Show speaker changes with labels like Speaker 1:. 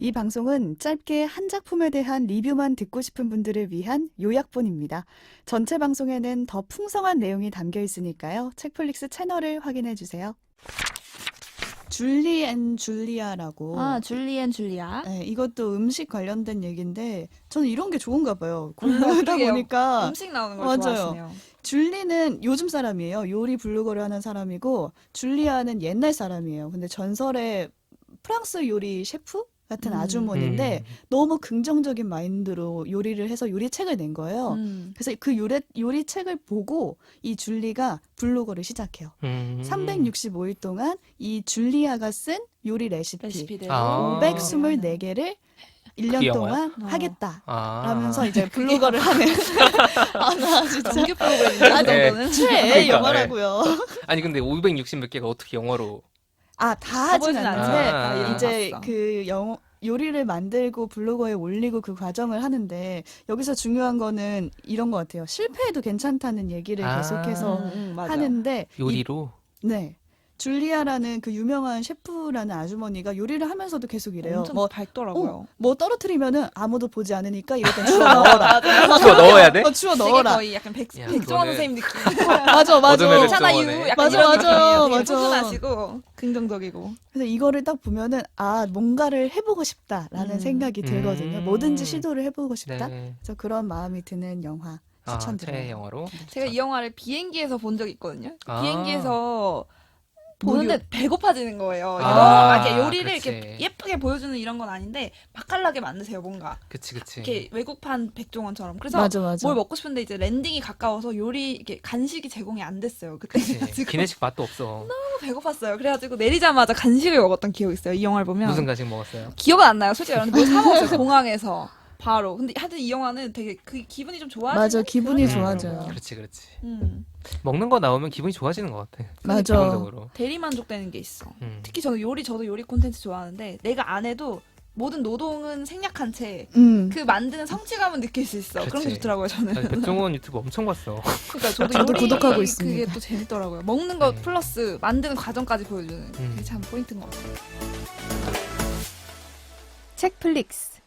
Speaker 1: 이 방송은 짧게 한 작품에 대한 리뷰만 듣고 싶은 분들을 위한 요약본입니다. 전체 방송에는 더 풍성한 내용이 담겨 있으니까요. 책플릭스 채널을 확인해 주세요. 줄리 앤 줄리아라고.
Speaker 2: 줄리 앤 줄리아.
Speaker 1: 네, 이것도 음식 관련된 얘기인데 저는 이런 게 좋은가 봐요. 공부하다
Speaker 2: 그러게요.
Speaker 1: 보니까
Speaker 2: 음식 나오는 걸
Speaker 1: 맞아요.
Speaker 2: 좋아하시네요.
Speaker 1: 줄리는 요즘 사람이에요. 요리 블로거를 하는 사람이고 줄리아는 옛날 사람이에요. 근데 전설의 프랑스 요리 셰프 같은 아주머니인데 너무 긍정적인 마인드로 요리를 해서 요리책을 낸 거예요. 그래서 그 요리책을 보고 이 줄리가 블로거를 시작해요. 365일 동안 이 줄리아가 쓴 요리 레시피대로 524개를 1년 동안 하겠다. 라면서 이제 블로거를 하는. 나 진짜.
Speaker 2: 정규 프로그램인데,
Speaker 1: 네.
Speaker 2: 정도는.
Speaker 1: 최애 영화라고요.
Speaker 3: 아니 근데 560 몇 개가 어떻게 영어로?
Speaker 1: 다 하진
Speaker 2: 가보진
Speaker 1: 않는데
Speaker 3: 않지만
Speaker 1: 이제
Speaker 2: 봤어.
Speaker 1: 그 요리를 만들고 블로거에 올리고 그 과정을 하는데 여기서 중요한 거는 이런 것 같아요. 실패해도 괜찮다는 얘기를 계속해서
Speaker 2: 맞아.
Speaker 1: 하는데
Speaker 3: 요리로?
Speaker 1: 네. 줄리아라는 그 유명한 셰프라는 아주머니가 요리를 하면서도 계속 이래요.
Speaker 2: 엄청 밝더라고요.
Speaker 1: 뭐 떨어뜨리면은 아무도 보지 않으니까 이럴 땐 주워 넣어라.
Speaker 3: 주워 넣어야 돼?
Speaker 1: 주워
Speaker 2: 되게
Speaker 1: 넣어라.
Speaker 2: 거의 약간
Speaker 3: 야,
Speaker 2: 백종원
Speaker 3: 그거는-
Speaker 2: 선생님 느낌.
Speaker 1: 맞아.
Speaker 3: 어둠의
Speaker 2: 괜찮아
Speaker 3: 백종원에.
Speaker 2: 유. 약간
Speaker 1: 맞아,
Speaker 2: 이런
Speaker 1: 맞아,
Speaker 2: 느낌이에요. 되게
Speaker 1: 맞아.
Speaker 2: 포근하시고 긍정적이고.
Speaker 1: 그래서 이거를 딱 보면은 뭔가를 해보고 싶다라는 생각이 들거든요. 뭐든지 시도를 해보고 싶다.
Speaker 3: 네.
Speaker 1: 그래서 그런 마음이 드는 영화 추천드려요.
Speaker 3: 최애 영화로.
Speaker 2: 제가 이 영화를 비행기에서 본 적이 있거든요.
Speaker 3: 아.
Speaker 2: 비행기에서 보는데 배고파지는 거예요.
Speaker 3: 아,
Speaker 2: 이렇게 요리를
Speaker 3: 그렇지.
Speaker 2: 이렇게 예쁘게 보여주는 이런 건 아닌데 맛깔나게 만드세요 뭔가.
Speaker 3: 그치.
Speaker 2: 이렇게 외국판 백종원처럼. 그래서
Speaker 1: 맞아.
Speaker 2: 뭘 먹고 싶은데 이제 랜딩이 가까워서 요리 이렇게 간식이 제공이 안 됐어요. 그때
Speaker 3: 그치.
Speaker 2: 그래가지고
Speaker 3: 기내식 맛도 없어.
Speaker 2: 너무 배고팠어요. 그래가지고 내리자마자 간식을 먹었던 기억이 있어요. 이 영화를 보면.
Speaker 3: 무슨 간식 먹었어요?
Speaker 2: 기억은 안 나요. 솔직히 뭘 사 먹었어요. 공항에서 바로. 근데 하여튼 이 영화는 되게 그 기분이 좀 좋아지는.
Speaker 1: 맞아, 기분이
Speaker 2: 그런
Speaker 1: 좋아져요.
Speaker 2: 영화더라고요.
Speaker 3: 그렇지.
Speaker 2: 음.
Speaker 3: 먹는 거 나오면 기분이 좋아지는 것 같아.
Speaker 1: 맞아.
Speaker 3: 기본적으로.
Speaker 2: 대리만족되는 게 있어.
Speaker 3: 음.
Speaker 2: 특히 저도 요리 콘텐츠 좋아하는데 내가 안 해도 모든 노동은 생략한 채 그 만드는 성취감은 느낄 수 있어. 그런 게
Speaker 3: 그치.
Speaker 2: 좋더라고요 저는.
Speaker 3: 나 백종원 유튜브 엄청 봤어.
Speaker 2: 그러니까 저도
Speaker 1: 저도
Speaker 2: 요리
Speaker 1: 구독하고 있습니다.
Speaker 2: 그게 또 재밌더라고요. 먹는 거
Speaker 3: 네.
Speaker 2: 플러스 만드는 과정까지 보여주는 그게 참 포인트인 것 같아요.
Speaker 1: 책플릭스.